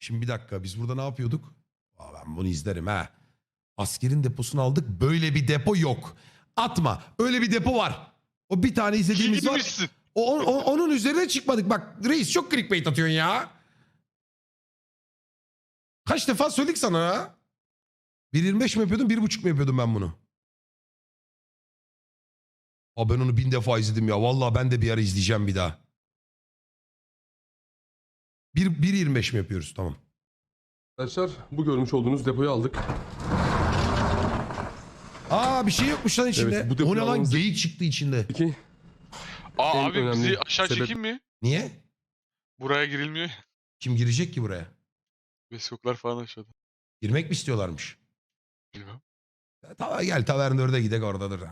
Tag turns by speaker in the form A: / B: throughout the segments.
A: Şimdi bir dakika, biz burada ne yapıyorduk? Aa, ben bunu izlerim ha. Askerin deposunu aldık. Böyle bir depo yok. Atma. Öyle bir depo var. O bir tane izlediğimiz var.
B: Gitmişsin.
A: Onun üzerine çıkmadık. Bak reis çok clickbait atıyorsun ya. Kaç defa söyledik sana ya? 1.25 mi yapıyordum, 1.5 mi yapıyordum ben bunu? Aa, ben onu 1000 defa izledim ya. Vallahi ben de bir ara izleyeceğim bir daha. 1.25 mi yapıyoruz? Tamam.
C: Arkadaşlar bu görmüş olduğunuz depoyu aldık.
A: Aa, bir şey yokmuş lan içinde.
C: Evet, bu depoyu
A: O ne lan,
C: almamızı-
A: geyik çıktı içinde.
C: Peki
B: Aa
C: En
B: abi bizi
C: önemli
B: aşağı
C: sebep-
B: çekeyim mi?
A: Niye?
B: Buraya girilmiyor.
A: Kim girecek ki buraya?
B: Beskoklar falan aşağıda.
A: Girmek mi istiyorlarmış?
B: Bilmem.
A: Tamam, gel Tavern 4'e gidek, oradadır.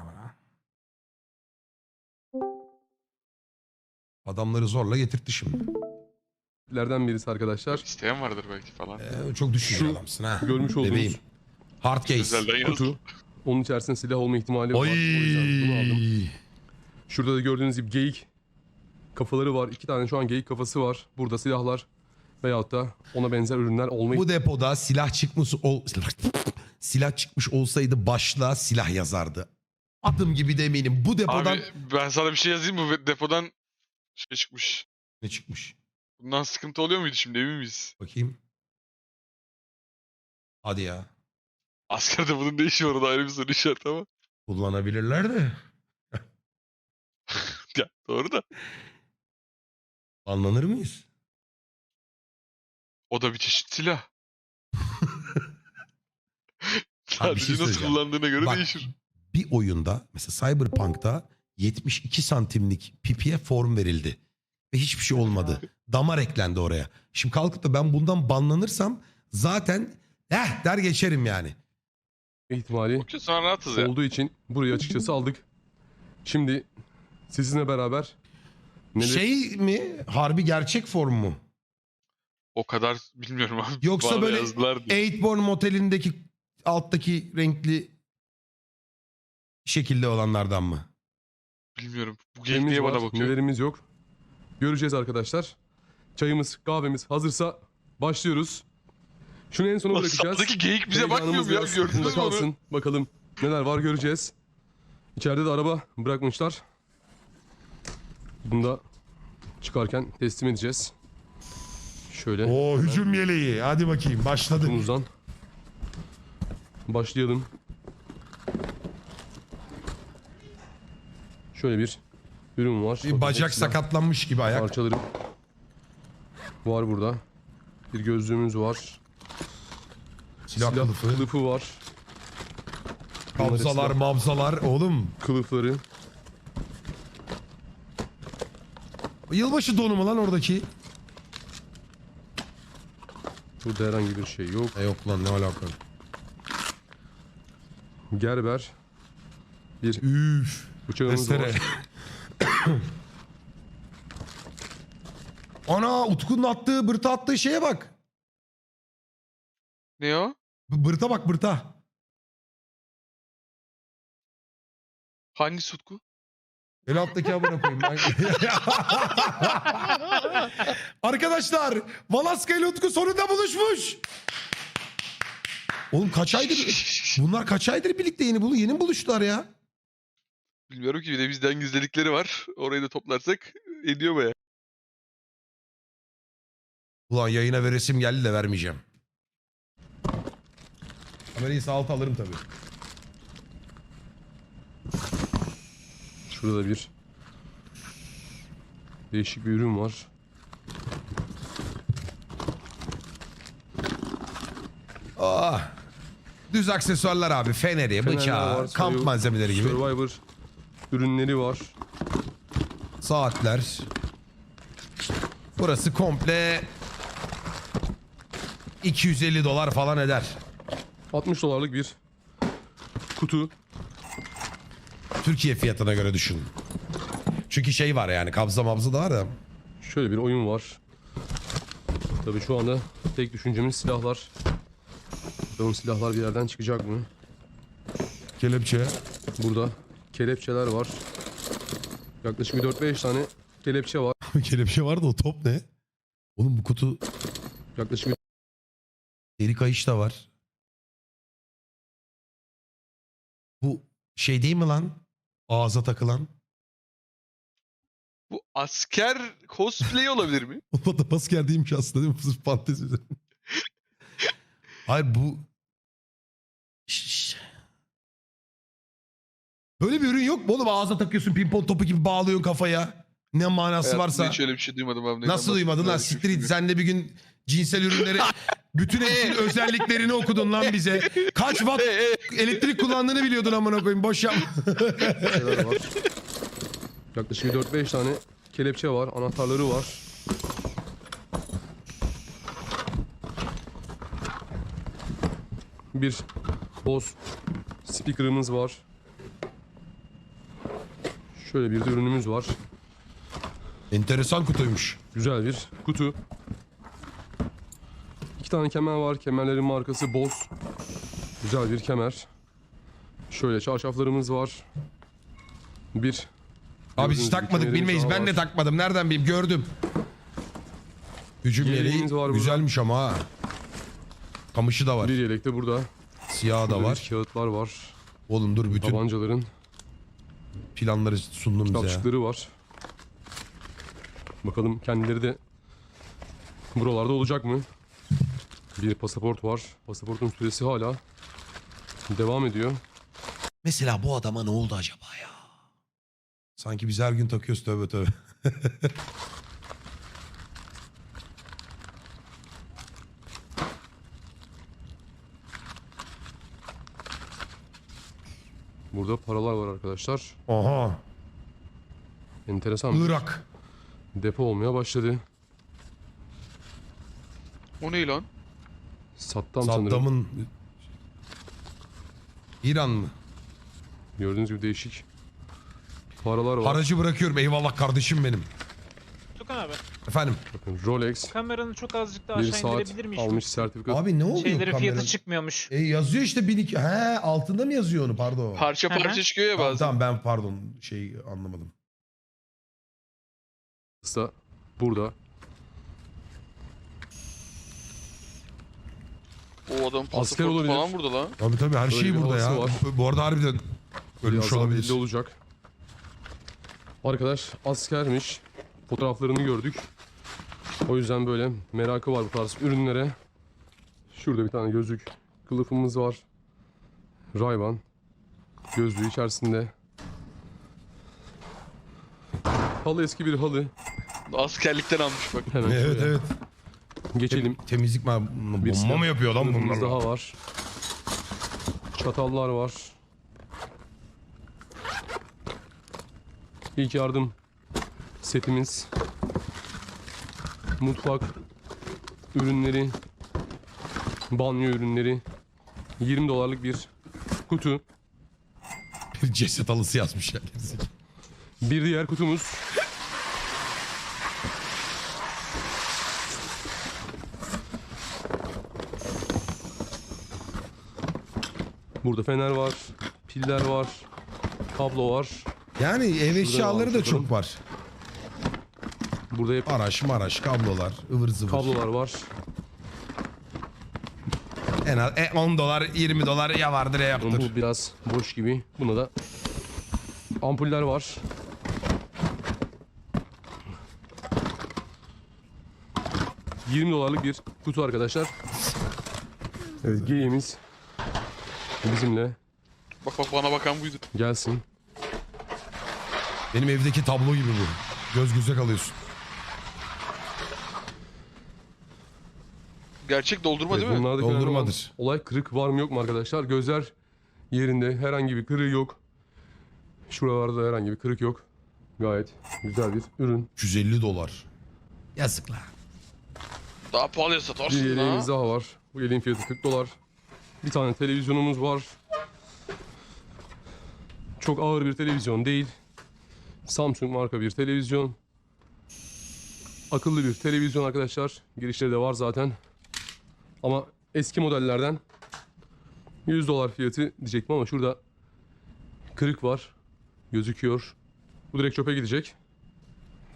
A: Adamları zorla getirtti şimdi.
C: lerden birisi arkadaşlar.
B: İsteyen vardır belki falan.
A: Çok düşünceli
C: Şu
A: adamsın ha.
C: görmüş olduğunuz
A: Bebeğim. Hard case.
B: Özelden yazdım.
C: Kutu. Onun içerisinde silah olma ihtimali var.
A: Oy.
C: O yüzden bunu aldım. Şurada da gördüğünüz gibi geyik kafaları var. 2 tane şu an geyik kafası var. Burada silahlar veyahut da ona benzer ürünler olma
A: Bu depoda silah çıkmış olsaydı başlığa silah yazardı. Adım gibi de eminim. Bu depodan
B: Abi ben sana bir şey yazayım mı? Depodan şey çıkmış.
A: ne çıkmış?
B: Bundan sıkıntı oluyor muydu şimdi, emin miyiz?
A: Bakayım. Hadi ya.
B: Askerde bunun ne işi var, o da ayrı bir soru işareti ama.
A: Kullanabilirler de.
B: Ya doğru da.
A: Anlanır mıyız?
B: O da bir çeşit silah.
A: Abi bir şey
B: Sadece nasıl
A: söyleyeceğim.
B: kullandığına göre
A: Bak,
B: değişir.
A: bir oyunda mesela Cyberpunk'ta 72 santimlik pipiye form verildi. Ve hiçbir şey olmadı. Damar eklendi oraya. Şimdi kalkıp da ben bundan banlanırsam zaten der geçerim yani.
C: ihtimali
B: Okey, sonra rahatız ya.
C: olduğu için burayı açıkçası aldık. Şimdi sizinle beraber
A: Şey mi? Harbi gerçek form mu?
B: O kadar bilmiyorum abi.
A: Yoksa
B: Bana
A: böyle
B: yazdılar diye.
A: Eightborn motelindeki alttaki renkli şekilde olanlardan mı?
B: Bilmiyorum. Bu
C: nelerimiz
B: geyik
C: var,
B: bana bakıyor.
C: nelerimiz yok. Göreceğiz arkadaşlar. Çayımız, kahvemiz hazırsa başlıyoruz. Şunu en sona
B: Ulan
C: bırakacağız.
B: saptaki geyik bize bakmıyor
C: Heyecanımız
B: mu ya?
C: biraz
B: Gördünüz
C: aklında
B: mü onu?
C: kalsın. Bakalım neler var göreceğiz. İçeride de araba bırakmışlar. Bunu da çıkarken teslim edeceğiz. Şöyle
A: O hücum yeleği. Hadi bakayım, başladık.
C: kutumuzdan başlayalım. Şöyle bir ürün var.
A: Bir bacak
C: Silah
A: sakatlanmış gibi ayak.
C: parçaları var burada. Bir gözlüğümüz var.
A: Silah
C: Silah
A: kılıfı.
C: kılıfı var.
A: Kabzalar,
C: silah
A: mabzalar. Oğlum,
C: kılıfları.
A: yılbaşı donu mu lan oradaki?
C: Burada herhangi bir şey yok.
A: Yok lan, ne alaka?
C: Gerber. Bir
A: Üf.
C: bıçağımız
A: Testere.
C: var.
A: Ana, Utku'nun attığı, bırta attığı şeye bak.
B: Ne o?
A: Bırta bak, bırta.
B: Hangi sutku?
A: El alttaki amına koyayım ben. Arkadaşlar, Valaska ile Utku sonunda buluşmuş. Oğlum kaç aydır... Bunlar kaç aydır birlikte yeni mi buluştular ya?
B: Bilmiyorum ki, bir de bizden gizledikleri var. Orayı da toplarsak ediyor baya.
A: Ulan yayına veresim geldi de vermeyeceğim. Kamerayı sağ alta alırım tabii.
C: Şurada bir değişik bir ürün var.
A: Ah. Düz aksesuarlar abi. Feneri,
C: Fenerler
A: bıçağı,
C: var,
A: kamp malzemeleri gibi.
C: Survivor ürünleri var.
A: Saatler. Burası komple $250 falan eder.
C: 60 dolarlık bir kutu.
A: Türkiye fiyatına göre düşün. Çünkü şey var yani, kabza mabza da var da.
C: Şöyle bir oyun var. Tabii şu anda tek düşüncemiz silahlar. Bakalım silahlar bir yerden çıkacak mı?
A: Kelepçe.
C: Burada kelepçeler var. Yaklaşık bir 4-5 tane kelepçe var.
A: Kelepçe var da o top ne? Oğlum bu kutu
C: Yaklaşık bir
A: Deri kayış da var. Bu şey değil mi lan? Ağza takılan.
B: Bu asker cosplay olabilir mi?
A: O da asker değilmiş aslında değil mi? Sırf fantezi üzerine. Hayır bu... Böyle bir ürün yok mu oğlum? Ağza takıyorsun, pimpon topu gibi bağlıyorsun kafaya. Ne manası
B: Hayatımda
A: varsa.
B: hiç öyle bir şey duymadım abi. Neyden
A: Nasıl duymadın lan?
B: bahsettiğini
A: Siktir git.
B: hiç
A: Sen de bir gün cinsel ürünleri... Bütün hepsinin özelliklerini okudun lan bize. Kaç watt elektrik kullandığını biliyordun amına koyayım. Boş yapma.
C: Şeyler var. Yaklaşık 4-5 tane kelepçe var. Anahtarları var. Bir Bose speaker'ımız var. Şöyle bir de ürünümüz var.
A: Enteresan kutuymuş.
C: Güzel bir kutu. 2 tane kemer var. Kemerlerin markası Bose. Güzel bir kemer. Şöyle çarşaflarımız var. Bir
A: Abi hiç
C: gördüğünüz gibi
A: takmadık
C: kemerimiz
A: bilmeyiz.
C: daha
A: Ben de
C: var.
A: takmadım. Nereden bileyim? Gördüm. Hücum
C: Yeleğimiz
A: yeleği
C: var burada.
A: güzelmiş ama ha. Kamışı da var.
C: Bir yelek de burada.
A: Siyahı da
C: Burada
A: var.
C: bir kağıtlar var.
A: Oğlum dur bütün
C: Tabancaların
A: planları sundum bize ya.
C: kitapçıkları var. Bakalım kendileri de buralarda olacak mı? Bir pasaport var. Pasaportun süresi hala devam ediyor.
A: Mesela bu adama ne oldu acaba ya? Sanki biz her gün takıyoruz tövbe tövbe.
C: Burada paralar var arkadaşlar.
A: Aha.
C: Enteresan bir
A: Irak.
C: depo olmaya başladı.
B: O ne lan?
C: Saddam sanırım.
A: Saddam'ın... İran mı?
C: Gördüğünüz gibi değişik paralar var.
A: Haracı bırakıyorum. Eyvallah kardeşim benim.
D: Tukan abi,
A: Efendim.
C: Bakın Rolex
D: kameranı çok azıcık daha
C: bir
D: aşağı
C: saat
D: indirebilir miyiz?
C: almış sertifika.
A: Abi ne oluyor
D: Şeyleri
A: kameranın?
D: fiyatı çıkmıyormuş.
A: Yazıyor işte 1200. He altında mı yazıyor onu pardon.
B: Parça
D: Hı hı.
B: parça çıkıyor ya
A: Tamam,
B: bazen.
A: tamam ben pardon şey anlamadım.
C: da burada.
B: O adam
C: Asker
B: pasaportu
C: olabilir.
B: falan burada lan.
A: Tabii her
C: Böyle
A: şey
C: bir
A: burada ya.
C: havası
A: Bu arada harbiden ölmüş
C: Birazdan
A: olabilir.
C: belli olacak. Arkadaş askermiş. Fotoğraflarını gördük. O yüzden böyle merakı var bu tarz ürünlere. Şurada bir tane gözlük kılıfımız var. Ray-Ban gözlüğü içerisinde. Halı eski bir halı.
B: Askerlikten almış bak.
C: Hemen
A: Evet
C: şöyle
A: evet.
C: geçelim.
A: Temizlik mi?
C: Bir
A: Bomba mı yapıyor lan
C: kılıfımız
A: bunlar?
C: daha var. Çatallar var. İlk yardım setimiz. Mutfak ürünleri. Banyo ürünleri. 20 dolarlık bir kutu.
A: Bir ceset halısı yazmış ya.
C: Bir diğer kutumuz. Burada fener var, piller var, kablo var.
A: Yani ev eşyaları da
C: almış
A: çok var.
C: Burada hep
A: Araç maraş kablolar ıvır zıvır.
C: kablolar var.
A: En az 10 dolar 20 dolar ya vardır ya yoktur.
C: Bu biraz boş gibi. Buna da ampuller var. $20 bir kutu arkadaşlar. Evet, geyiğimiz bizimle
B: Bak bak bana bakan buydu.
C: gelsin.
A: Benim evdeki tablo gibi bu. Göz göze kalıyorsun.
B: Gerçek doldurma
C: Evet,
B: değil mi?
C: bunlardaki önemli olan
A: Doldurmadır.
C: olay kırık var mı yok mu arkadaşlar? Gözler yerinde, herhangi bir kırığı yok. Şuralarda herhangi bir kırık yok. Gayet güzel bir ürün.
A: 150 dolar. Yazık lan.
B: Daha pahalıya
C: Bir
B: satarsın
C: yeleğimiz
B: ha.
C: daha var. Bu yeleğin fiyatı $40. Bir tane televizyonumuz var. Çok ağır bir televizyon değil. Samsung marka bir televizyon. Akıllı bir televizyon arkadaşlar. Girişleri de var zaten. Ama eski modellerden $100 fiyatı diyecektim ama şurada kırık var. Gözüküyor. Bu direkt çöpe gidecek.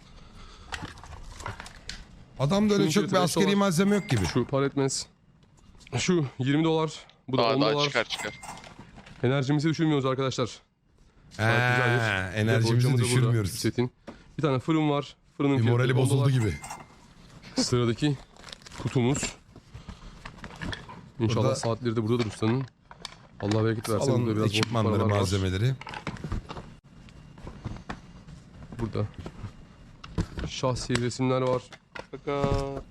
A: Adamda öyle
C: Şunun
A: çok bir
C: fiyatı
A: askeri
C: beş dolar.
A: malzeme yok gibi.
C: Şu par etmez. Şu 20 dolar. Bu da 10
B: Daha
C: dolar.
B: çıkar.
C: Enerjimizi düşürmüyoruz arkadaşlar. Gayet güzel bir
A: Enerjimizi
C: depolamamız da burada,
A: düşürmüyoruz.
C: setin. Bir tane fırın var. Fırının
A: Bir
C: fiyatı
A: morali
C: 10
A: bozuldu
C: dolar.
A: gibi.
C: Sıradaki kutumuz. İnşallah
A: Burada-
C: saatleri de buradadır ustanın. Allah bereket versin. Burada
A: Alan
C: biraz boşluk
A: ekipmanları,
C: paralar var.
A: malzemeleri.
C: Burada şahsi resimler var.
B: Fakat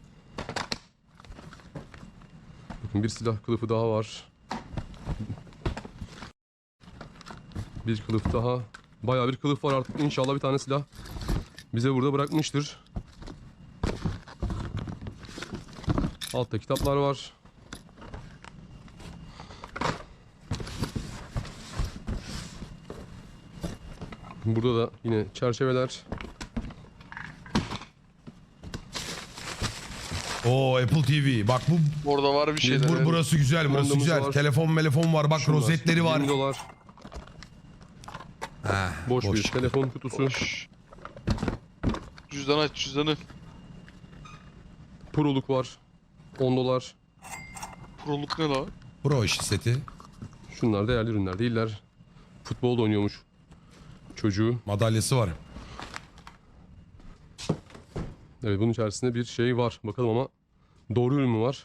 C: Bakın bir silah kılıfı daha var. Bir kılıf daha. Bayağı bir kılıf var artık. İnşallah bir tane silah bize burada bırakmıştır. Altta kitaplar var. Burada da yine çerçeveler.
A: Oo, Apple TV. Bak bu
B: orada var bir şeyler.
A: burası güzel, burası
C: Kumandamız
A: güzel.
C: var.
A: Telefon var. Bak
C: Şunlar,
A: rozetleri var.
C: 20 dolar.
A: Ha,
C: Boş bir
A: çıktı.
C: telefon kutusu.
B: Boş. Cüzdan aç cüzdanı.
C: Proluk var. 10 dolar.
B: Proluk ne la?
A: Pro işi seti.
C: Şunlar değerli ürünler değiller. Futbol da oynuyormuş çocuğu.
A: Madalyası var.
C: Evet, bunun içerisinde bir şey var. Bakalım ama doğru ürün mü var?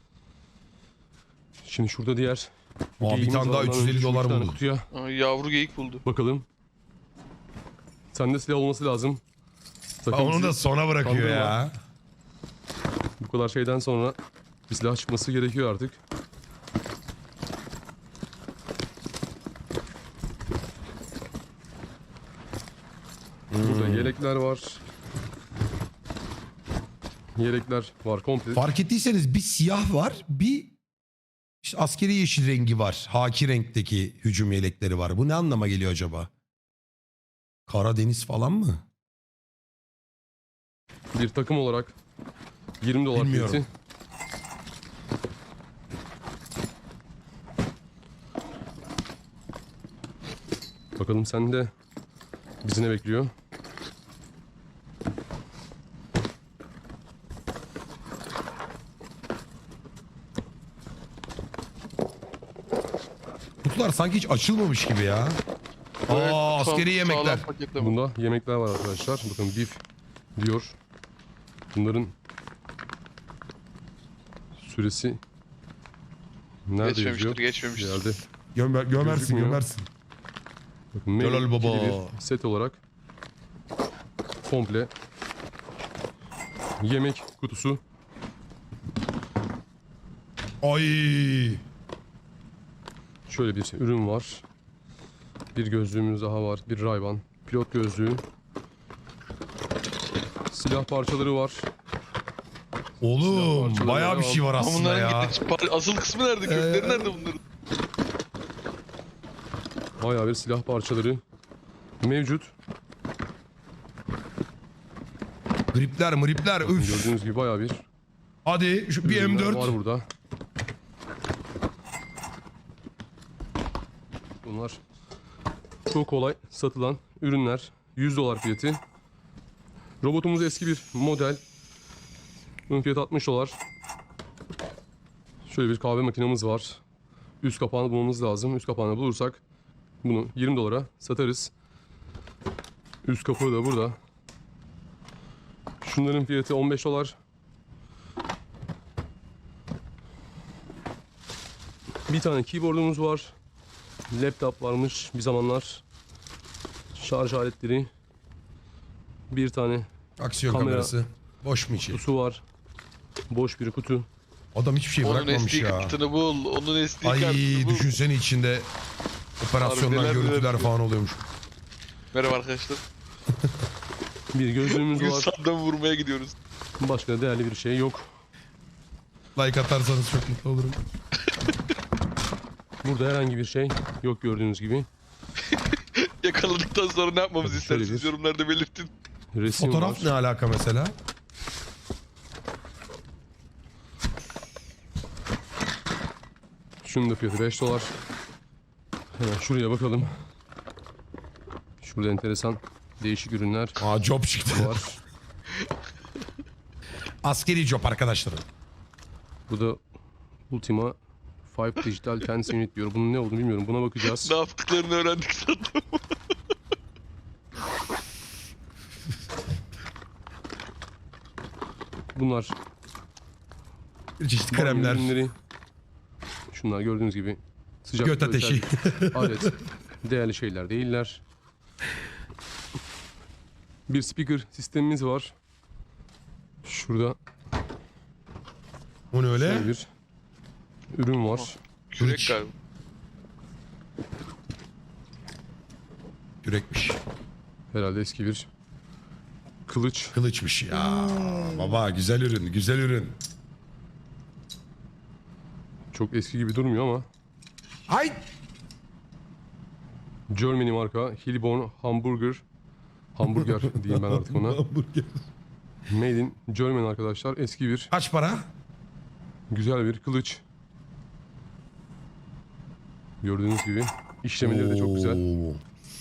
C: Şimdi şurada diğer
A: bir
C: geyiğimiz
A: tane daha
C: var. Ondan
A: 350
C: önce şu
A: dolar
C: bir tane
A: buldu.
C: Kutuya
B: Aa, yavru geyik buldu.
C: bakalım. Sende silah olması lazım. Sakın
A: Onu
C: bizi
A: da sona bırakıyor
C: kandırma.
A: ya.
C: Bu kadar şeyden sonra bir silah çıkması gerekiyor artık. Burada yelekler var. Yelekler var komple.
A: Fark ettiyseniz bir siyah var, bir işte askeri yeşil rengi var. Haki renkteki hücum yelekleri var. Bu ne anlama geliyor acaba? Karadeniz falan mı?
C: Bir takım olarak 20 dolar
A: Bilmiyorum.
C: fiyatı. Bakalım sende bizi ne bekliyor?
A: Kutular sanki hiç açılmamış gibi ya.
B: Evet,
A: Aa, askeri
B: sağlam
A: yemekler.
B: paketleme.
C: Bunda yemekler var arkadaşlar. Bakın beef diyor. Bunların süresi nerede
B: Geçmemiştir,
C: yazıyor?
B: geçmemiştir.
C: Bir yerde.
A: Gömersin,
C: Gözükmüyor.
A: gömersin.
C: Bakın
A: Helal
C: menü
A: baba.
C: ikili bir set olarak komple yemek kutusu.
A: Ay.
C: Şöyle bir ürün var. Bir gözlüğümüz daha var. Bir Ray-Ban pilot gözlüğü. Silah parçaları var.
A: Oğlum
C: Silah
A: bayağı bir
C: parçaları
A: şey var
B: Ama
A: aslında
B: bunların
A: ya.
B: asıl kısmı nerede? Kökleri nerede bunların?
C: Bayağı bir silah parçaları mevcut.
A: Gripler mripler üf.
C: Gördüğünüz gibi bayağı bir
A: Hadi şu bir
C: ürünler
A: M4.
C: var burada. Bunlar çok kolay satılan ürünler. 100 dolar fiyatı. Robotumuz eski bir model. Bunun fiyatı 60 dolar. Şöyle bir kahve makinemiz var. Üst kapağını bulmamız lazım. Üst kapağını bulursak bunu 20 dolara satarız. Üst kapağı da burada. Şunların fiyatı 15 dolar. Bir tane keyboardumuz var. Laptop varmış bir zamanlar. Şarj aletleri. Bir tane
A: Aksiyon
C: Kamera.
A: kamerası. Boş mu içi?
C: kutusu var. Boş bir kutu.
A: Adam hiçbir şey
B: Onun
A: bırakmamış
B: SD
A: ya.
B: kartını bul. Onun SD
A: Ay
B: kartını bul.
A: düşünsene içinde operasyonlar,
B: Harbi neler
A: görüntüler
B: neler.
A: falan oluyormuş.
B: Merhaba arkadaşlar.
C: Bir gözlüğümüz
B: Bugün
C: var.
B: sandal vurmaya gidiyoruz.
C: Başka değerli bir şey yok.
A: Like atarsanız çok mutlu olurum.
C: Burada herhangi bir şey yok gördüğünüz gibi.
B: Yakaladıktan sonra ne yapmamızı
C: Şöyle
B: istersiniz
C: bir-
B: yorumlarda belirtin.
C: Resim
A: Fotoğraf
C: var.
A: ne alaka mesela?
C: Şunun da fiyatı 5 dolar. Hemen şuraya bakalım. Şurada enteresan değişik ürünler
A: Aa, job çıktı.
C: var.
A: Askeri job arkadaşlarım.
C: Burada Ultima 5 Digital Tense Unit diyor. Bunun ne olduğunu bilmiyorum. Buna bakacağız.
B: Ne yaptıklarını öğrendik sandım.
C: Bunlar
A: Bir çeşit
C: banyo
A: kremler.
C: ürünleri. Şunlar gördüğünüz gibi sıcak
A: Göt ateşi.
C: alet. Değerli şeyler değiller. Bir speaker sistemimiz var. Şurada
A: O ne öyle?
C: şöyle bir ürün var.
B: Kürek
A: Kılıç.
B: galiba.
A: Yürekmiş.
C: Herhalde eski bir kılıç.
A: Kılıçmış ya. Baba güzel ürün, güzel ürün.
C: Çok eski gibi durmuyor ama
A: Ay!
C: Germany marka Hillborn hamburger diyeyim ben artık ona.
A: Hamburger.
C: Made in Germany arkadaşlar. Eski bir
A: Kaç para?
C: güzel bir kılıç. Gördüğünüz gibi işlemeleri de çok güzel.
A: Oo.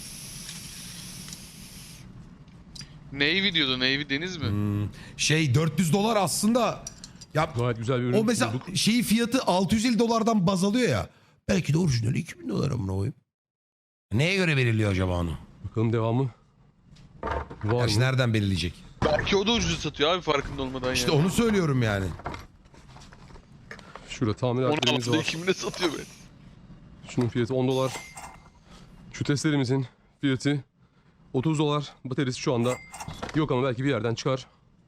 B: Navy diyordu. Navy deniz mi?
A: Şey $400 aslında. Ya
C: Gayet güzel bir ürün
A: o mesela
C: bulduk.
A: şeyi fiyatı $650'dan baz alıyor ya. Belki de orijinali $2000 amına koyayım. Neye göre veriliyor acaba onu?
C: Bakalım devamı var
A: Gerçi
C: mı?
A: nereden belirleyecek?
B: Belki o da ucuz satıyor abi farkında olmadan
A: İşte
B: yani.
A: onu söylüyorum yani.
C: Şurada tamiratlarımız
B: 16'da
C: var.
B: kimine satıyor be?
C: Şunun fiyatı $10. Şu testlerimizin fiyatı $30. Bataryası şu anda yok ama belki bir yerden çıkar.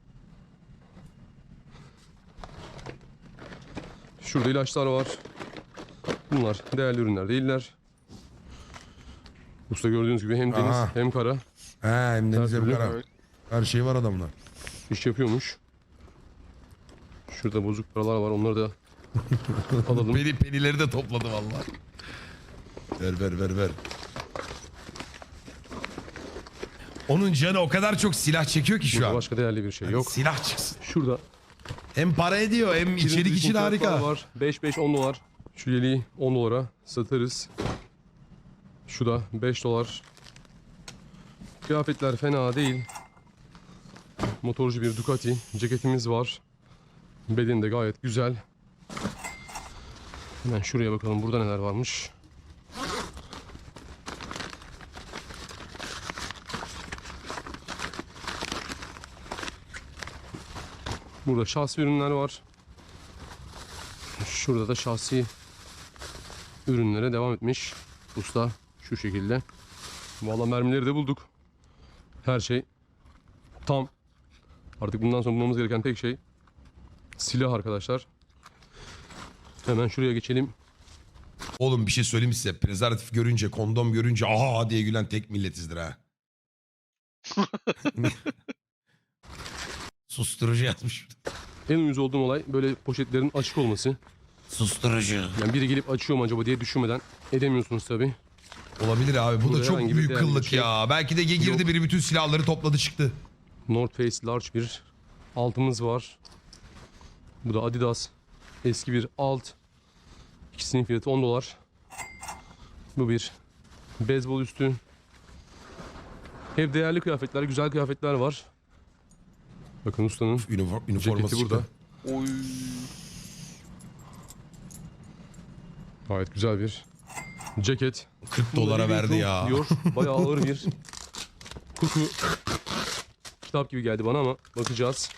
C: Şurada ilaçlar var. Bunlar değerli ürünler değiller. Usta gördüğünüz gibi hem deniz
A: Aha.
C: hem kara
A: He hem deniz hem
C: türlü.
A: kara.
B: Evet.
A: Her şey var adamda.
C: iş yapıyormuş. Şurada bozuk paralar var, onları da alalım.
A: Penileri de topladı vallahi. Ver. Onun canı o kadar çok silah çekiyor ki şu
C: Burada
A: an.
C: başka değerli bir şey yok.
A: Silah çıksın.
C: Şurada
A: Hem para ediyor hem içerik için harika.
C: var. 5 10 dolar. Şu yeleği 10 dolara satarız. Şu da 5 dolar. Kıyafetler fena değil. Motorcu bir Ducati ceketimiz var. Bedeni de gayet güzel. Hemen şuraya bakalım burada neler varmış. Burada şahsi ürünler var. Şurada da şahsi ürünlere devam etmiş usta şu şekilde. Vallahi mermileri de bulduk. Her şey tam. Artık bundan sonra bulmamız gereken tek şey silah arkadaşlar. Hemen şuraya geçelim.
A: Oğlum bir şey söyleyeyim size. Prezervatif görünce, kondom görünce aha diye gülen tek milletizdir ha. Susturucu yazmış.
C: En uyuz olduğum olay böyle poşetlerin açık olması.
A: Susturucu.
C: Yani biri gelip açıyor mu acaba diye düşünmeden edemiyorsunuz tabii.
A: Olabilir abi. Bu
C: Burada
A: da çok
C: herhangi bir
A: büyük
C: değerli bir
A: kıllık
C: şey
A: ya. Belki de girdi
C: yok.
A: biri bütün silahları topladı çıktı.
C: North Face large bir altımız var. Bu da Adidas eski bir alt. İkisinin fiyatı 10 dolar. Bu bir beyzbol üstü. Hep değerli kıyafetler, güzel kıyafetler var. Bakın ustanın
A: Üniforması
C: ceketi burada.
A: çıktı.
B: Oy.
C: Gayet güzel bir ceket.
A: 40 dolara
C: Living
A: verdi
C: Proof
A: ya.
C: Diyor. Bayağı ağır bir kutu. Kitap gibi geldi bana ama bakacağız.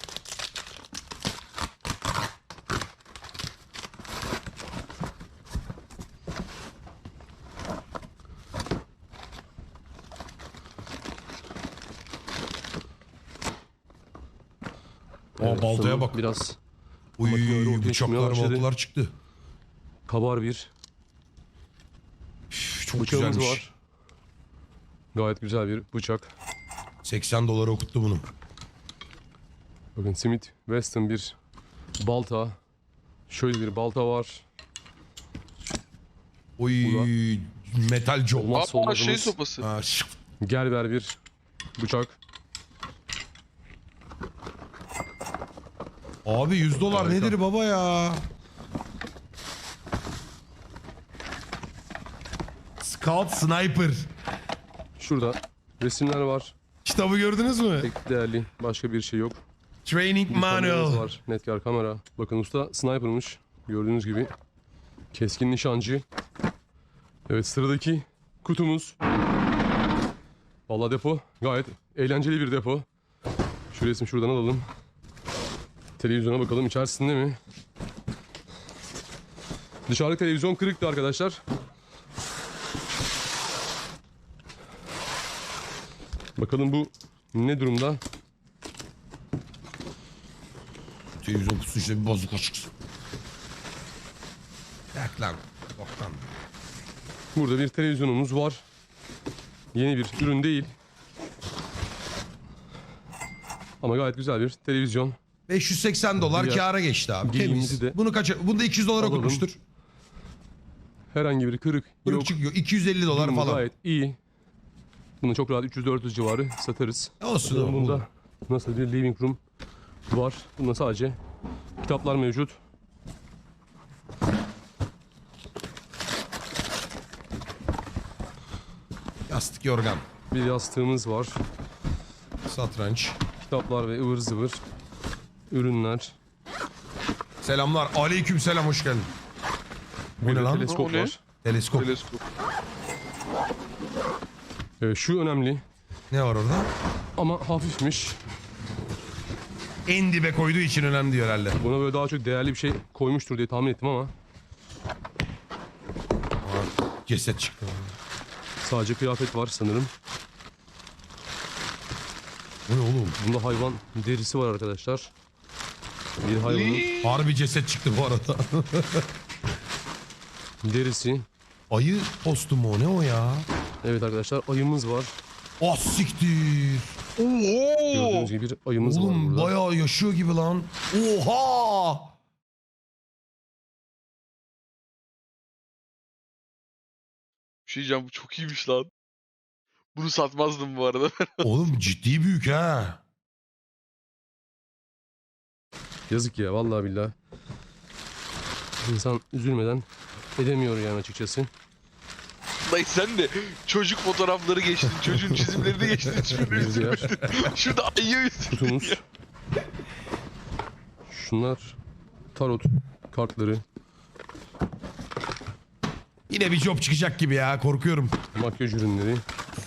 A: Aa, baltaya
C: ustanın
A: bak.
C: Biraz
A: Uy
C: makineleri ortaya çıkmaya
A: bıçaklar
C: başladı.
A: baltalar çıktı.
C: kabar bir
A: Üf, çok
C: bıçağımız
A: güzelmiş.
C: var. Gayet güzel bir bıçak.
A: 80 dolara okuttu bunu.
C: Bakın Smith Wesson bir balta. Şöyle bir balta var.
A: Oy metal job.
C: Olmazsa
B: Aa
C: olmazımız.
B: şey sopası.
A: Ha, şık.
C: Gerber bir bıçak.
A: Abi 100 dolar
C: Harika.
A: nedir baba ya? Scout Sniper.
C: Şurada resimler var.
A: Kitabı gördünüz mü?
C: Pek değerli başka bir şey yok.
A: Training
C: Bir kameramız
A: Manual.
C: var. Netkar kamera. Bakın usta sniper'mış. Gördüğünüz gibi keskin nişancı. Evet, sıradaki kutumuz. Vallahi depo gayet eğlenceli bir depo. Şu resmi şuradan alalım. Televizyona bakalım, içerisinde mi? Dışarıda televizyon kırıktı arkadaşlar. Bakalım bu ne durumda?
A: Televizyon kutusu işte bir bozuk açıksın. Yak lan. Boktan.
C: Burada bir televizyonumuz var. Yeni bir ürün değil. Ama gayet güzel bir televizyon.
A: $580
C: Diğer
A: kâra geçti abi.
C: giyimimizi
A: Temiz.
C: de
A: Bunu bunu da $200
C: alalım.
A: okutmuştur.
C: Herhangi bir kırık
A: Kırık
C: yok.
A: çıkıyor. $250
C: Durumu
A: falan.
C: gayet iyi. Bunu çok rahat 300-400 civarı satarız.
A: Olsun oğlum.
C: Bunda nasıl bir living room var. Bunda sadece kitaplar mevcut.
A: Yastık yorgan.
C: Bir yastığımız var.
A: Satranç.
C: Kitaplar ve ıvır zıvır ürünler.
A: Selamlar. Aleyküm selam, hoş geldin. Bu
C: Bir
A: ne
C: de
A: lan?
C: teleskop
B: O ne?
C: var.
A: Teleskop.
B: Teleskop.
C: Şu önemli
A: Ne var orada?
C: ama hafifmiş.
A: En dibe koyduğu için önemli diyor herhalde.
C: Buna böyle daha çok değerli bir şey koymuştur diye tahmin ettim ama
A: Ceset çıktı.
C: sadece kıyafet var sanırım.
A: Bu ne oğlum?
C: Bunda hayvan derisi var arkadaşlar. Bir hayvanın
A: Harbi ceset çıktı bu arada.
C: derisi.
A: Ayı postu mu o, ne o ya?
C: Evet arkadaşlar, ayımız var.
A: Ah siktir.
B: Oo!
C: Gördüğünüz gibi bir ayımız var
A: Oğlum
C: burada.
A: bayağı yaşıyor gibi lan. Oha!
B: Bir şey diyeceğim, bu çok iyiymiş lan. Bunu satmazdım bu arada.
A: Oğlum ciddi büyük ha.
C: Yazık ya, vallahi billahi. İnsan üzülmeden edemiyor yani açıkçası.
B: Dayı sen de çocuk fotoğrafları geçtin, çocuğun çizimlerini geçtin, hiçbirini
C: Bir diğer
B: üzülmedin. Şurada ayı üzüldün.
C: kutumuz. Şunlar tarot kartları,
A: Yine bir job çıkacak gibi ya, korkuyorum.
C: makyaj ürünleri.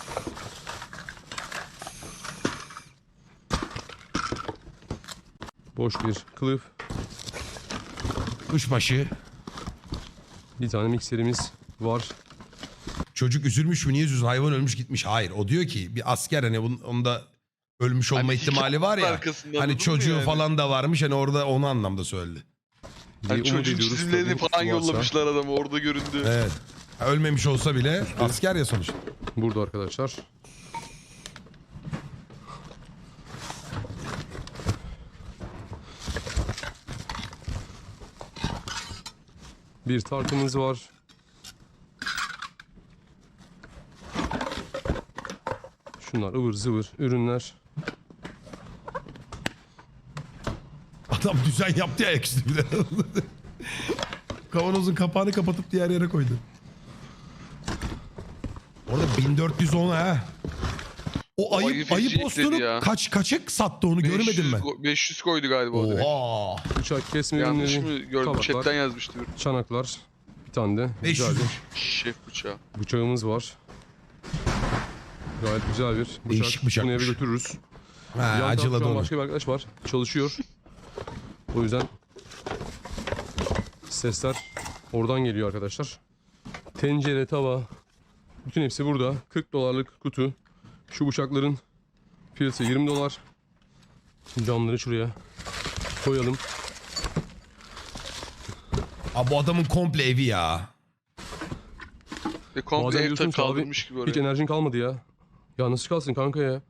C: Boş bir kılıf.
A: Kuşbaşı.
C: Bir tane mikserimiz var.
A: Çocuk üzülmüş mü, niye üzülsün, hayvan ölmüş gitmiş. Hayır, o diyor ki bir asker, hani onda ölmüş olma
B: Hani
A: ihtimali var ya.
B: arkasında,
A: Hani
B: anladın mı
A: çocuğu
B: yani?
A: falan da varmış, hani orada onu anlamda söyledi.
C: diye
B: Hani
C: umut
B: çocuğun
C: ediyoruz
B: çizimlerini
C: tabii,
B: falan
C: varsa.
B: yollamışlar adamı, orada göründü.
A: Evet. Ha, ölmemiş olsa bile asker ya sonuçta.
C: Burada arkadaşlar. Bir tartımız var. Şunlar ıvır zıvır ürünler.
A: Adam düzen yaptı ya ayaküstü bir de. Kavanozun kapağını kapatıp diğer yere koydu. Orada 1410 ha. O
B: ayı
A: ayı
B: feci
A: postunu
B: ekledi ya.
A: kaça sattı onu görmedim ben.
B: 500 koydu galiba o direkt.
A: Oha.
C: Bıçak kesme
B: Yanlış
C: ürünleri,
B: mı gördüm?
C: tabaklar,
B: Chatten yazmıştı.
C: çanaklar. Bir tane de
A: 500.
C: güzel bir
B: Şef bıçağı.
C: bıçağımız var. Gayet güzel bir bıçak.
A: Değişik
C: Bunu
A: bıçakmış.
C: eve götürürüz.
A: Ha,
C: Yan tarafta
A: acıladı
C: şu an
A: onu.
C: başka bir arkadaş var. Çalışıyor. O yüzden sesler oradan geliyor arkadaşlar. Tencere, tava. Bütün hepsi burada. $40'lık kutu. Şu bıçakların fiyatı $20. Camları şuraya koyalım.
A: Abi bu adamın komple evi ya.
B: Ve komple
C: Bazen
B: ev
C: diyorsun ki abi,
B: kaldırmış gibi
C: hiç
B: oraya.
C: enerjin kalmadı ya. Ya nasıl kalsın kanka ya?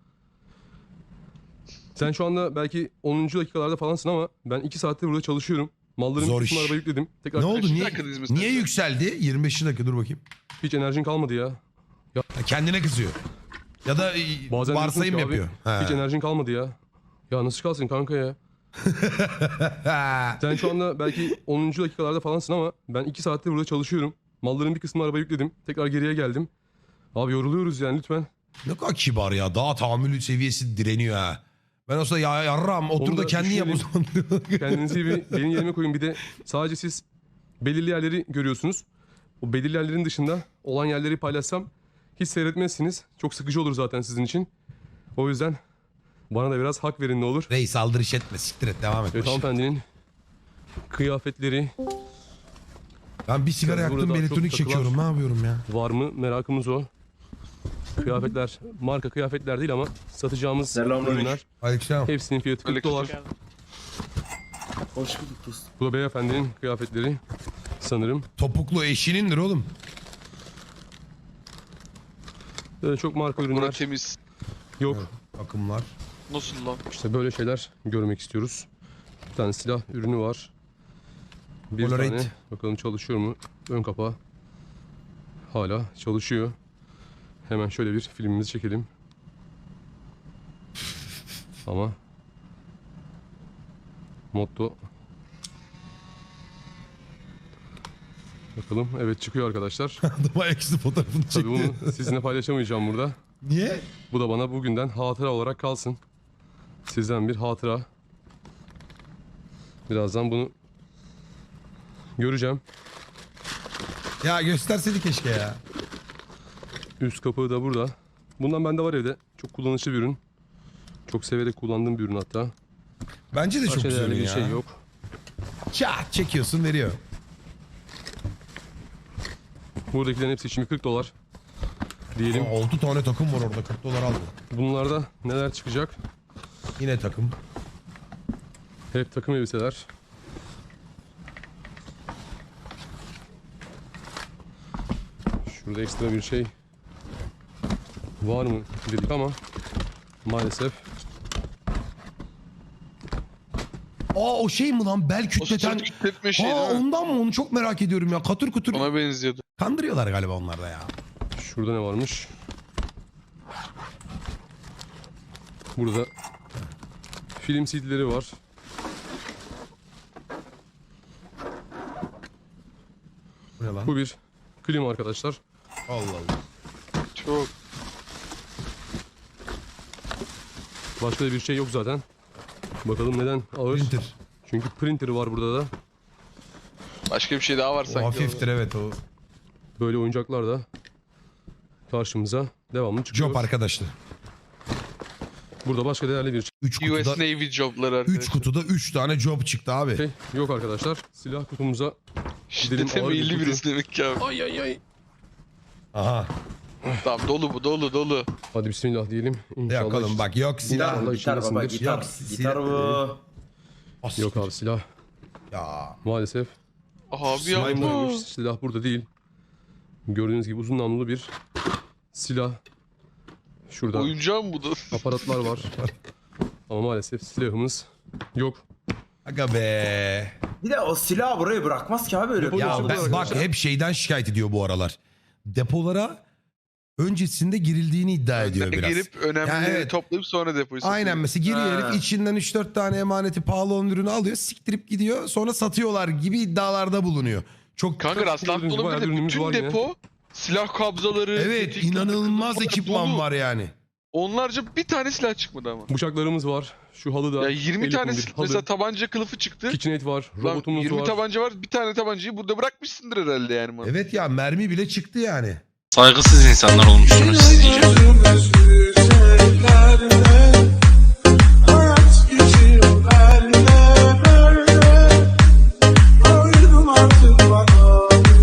C: Sen şu anda belki 10. dakikalarda falansın ama ben 2 saattir burada çalışıyorum. Malların
A: Zor
C: bir
A: iş.
C: kısmını arabaya yükledim. Tekrar
A: Ne oldu,
B: Kaçıncı
A: niye,
B: dakikadayız mesela?
A: niye yükseldi? 25 dakika, dur bakayım.
C: hiç enerjin kalmadı ya.
A: Ha, kendine kızıyor. Ya da
C: Bazen
A: varsayım
C: diyorsun ki
A: yapıyor.
C: abi, hiç enerjin kalmadı ya. Ya nasıl kalsın kanka ya?
A: Ha.
C: Sen şu anda belki 10. dakikalarda falansın ama ben 2 saattir burada çalışıyorum. Malların bir kısmını arabaya yükledim. Tekrar geriye geldim. Abi yoruluyoruz yani lütfen.
A: Ne kadar kibar ya. Daha tahammül seviyesi direniyor ha. Ben olsa ya yarram otur
C: Onu
A: da
C: da
A: kendin yap o zaman.
C: Kendinizi bir benim yerime koyun. Bir de sadece siz belirli yerleri görüyorsunuz. O belirli yerlerin dışında olan yerleri paylaşsam hiç seyretmezsiniz. Çok sıkıcı olur zaten sizin için. O yüzden bana da biraz hak verin ne olur.
A: Reis aldırış etme, siktir et, devam et.
C: Evet, hanımefendinin kıyafetleri
A: Ben bir sigara
C: Burada
A: yaktım,
C: daha
A: elektronik
C: çok
A: çekiyorum, ne yapıyorum ya?
C: var mı merakımız o. Kıyafetler marka kıyafetler değil ama satacağımız
E: Selamünaleyküm.
C: ürünler.
A: Aleykümselam.
C: Hepsinin fiyatı 40
B: Aleyküm.
C: dolar.
D: Geldim.
E: Hoş bulduk dostum.
C: Bu da beyefendinin kıyafetleri sanırım.
A: Topuklu eşinindir oğlum.
C: Böyle çok marka
B: Bura
C: ürünler
B: temiz.
C: yok.
A: Evet, takımlar.
B: Nasıl lan?
C: İşte böyle şeyler görmek istiyoruz. Bir tane silah ürünü var. Bir
A: Polaroid.
C: tane bakalım çalışıyor mu? Ön kapağı hala çalışıyor. Hemen şöyle bir filmimizi çekelim. Ama motto. Bakalım, evet çıkıyor arkadaşlar.
A: Adıma eksi fotoğrafını
C: Tabii
A: çekti.
C: bunu sizinle paylaşamayacağım burada.
A: Niye?
C: Bu da bana bugünden hatıra olarak kalsın. Sizden bir hatıra. Birazdan bunu göreceğim.
A: Ya gösterseydi keşke ya.
C: Üst kapağı da burada. Bundan bende var evde. Çok kullanışlı bir ürün. Çok severek kullandığım bir ürün hatta.
A: Bence de çok
C: Başka
A: güzel
C: değerli
A: ürün
C: bir
A: ya.
C: şey yok.
A: Çat çekiyorsun, veriyor.
C: Buradakilerin hepsi şimdi 40 dolar. Diyelim.
A: 6 tane takım var orada, 40 dolar aldı.
C: Bunlarda neler çıkacak?
A: Yine takım.
C: Hep takım elbiseler. Şurada ekstra bir şey var mı dedik ama maalesef.
A: Aa o şey mi lan, bel
B: O
A: kütleten?
B: sırt kütletme şey
A: Aa
B: değil mi?
A: ondan mı, onu çok merak ediyorum ya. Katır kutur.
B: Ona benziyordu.
A: Kandırıyorlar galiba onlar da ya.
C: Şurada ne varmış? Burada film CD'leri var.
A: Bu ne lan?
C: Bu bir klima arkadaşlar.
A: Allah Allah.
B: Çok.
C: Başka da bir şey yok zaten. Bakalım neden ağır?
A: Printer.
C: Çünkü printer var burada da.
B: Başka bir şey daha var
A: O
B: sanki.
A: hafiftir, evet o.
C: Böyle oyuncaklar da karşımıza devamlı çıkıyor.
A: Job arkadaşlar.
C: Burada başka değerli bir
A: 3
B: US
A: kutuda,
B: Navy jobları arkadaşlar.
A: 3 kutuda 3 tane job çıktı abi.
C: şey yok arkadaşlar. Silah kutumuza
B: Şiddete
C: ağır bir
B: meyilli
C: kutu.
B: birisi demek ki abi.
C: ay ay ay.
A: Aha.
B: Tamam dolu bu dolu.
C: Hadi bismillah diyelim. İnşallah.
A: Yakalım bak, yok silah.
C: Allah
E: Gitar baba
C: içindesindir.
E: gitar.
A: Yok,
E: Gitar bu.
A: As-
C: Yok abi silah
A: Ya.
C: maalesef.
B: Abi
A: Slime
B: yapma.
C: Buradaymış. Silah burada değil. Gördüğünüz gibi uzun namlulu bir silah. Şurada
B: Oyuncağım bu da.
C: aparatlar var. Ama maalesef silahımız yok.
A: Aga be.
E: Bir de o silahı buraya bırakmaz ki abi öyle.
C: Depoda
A: Ya
C: Burada
A: ben, bak
C: arkadaşlar.
A: hep şeyden şikayet ediyor bu aralar. Depolara öncesinde girildiğini iddia ediyor biraz.
B: Girip önemlileri
A: Ya evet.
B: toplayıp sonra depoyu satıyor.
A: Aynen, mesela giriyor
E: Ha.
A: herif, içinden 3-4 tane emaneti pahalı olan ürünü alıyor, siktirip gidiyor, sonra satıyorlar gibi iddialarda bulunuyor. Çok
B: Kanka rastlantı
C: Gördüğünüz bayağı
B: olabilir de
C: ürünümüz
B: bütün
C: var yine.
B: depo silah kabzaları.
A: evet,
B: tetik,
A: inanılmaz
B: takımlar
A: ekipman
B: dolu.
A: var yani.
B: Onlarca bir tane silah çıkmadı ama.
C: Bıçaklarımız var. Şu halı da.
B: Ya 20
C: el
B: tane
C: yapımı bir halı.
B: mesela tabanca kılıfı çıktı.
C: KitchenAid var.
B: Lan
C: Robotumuz
B: 20
C: var.
B: tabanca var. Bir tane tabancayı burada bırakmışsındır herhalde yani. bana.
A: Evet ya, mermi bile çıktı yani.
F: Saygısız insanlar olmuşsunuz siz iyice.